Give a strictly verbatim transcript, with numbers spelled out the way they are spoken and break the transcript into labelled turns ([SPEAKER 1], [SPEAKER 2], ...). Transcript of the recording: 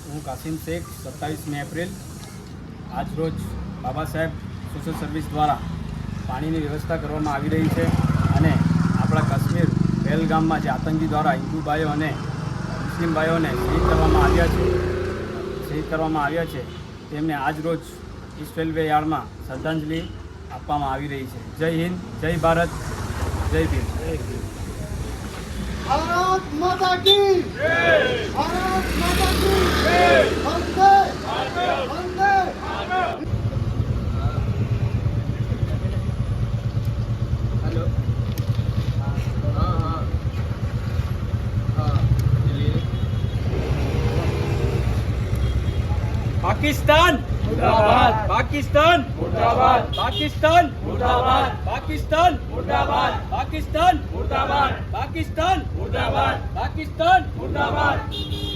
[SPEAKER 1] હું Qasem Sheikh સત્તાવીસમી April આજ રોજ બાબા સાહેબ સોશિયલ સર્વિસ દ્વારા પાણીની વ્યવસ્થા કરવામાં આવી રહી છે અને આપણા કાશ્મીર પહેલગામમાં જે આતંકી દ્વારા હિન્દુ ભાઈઓ અને મુસ્લિમ ભાઈઓને શહીદ કરવામાં આવ્યા છે શહીદ કરવામાં આવ્યા છે તેમને આજ રોજ ઈસ્ટ રેલવે યાર્ડમાં શ્રદ્ધાંજલિ આપવામાં આવી રહી છે. જય હિન્દ, જય ભારત, જય ભીમ.
[SPEAKER 2] भारत माता की जय, भारत माता की जय, वंदे वंदे
[SPEAKER 1] हेलो. हाँ हाँ हाँ पाकिस्तान मुर्दाबाद, पाकिस्तान मुर्दाबाद, पाकिस्तान मुर्दाबाद, पाकिस्तान मुर्दाबाद, पाकिस्तान मुर्दाबाद, पाकिस्तान मुर्दाबाद, पाकिस्तान मुर्दाबाद.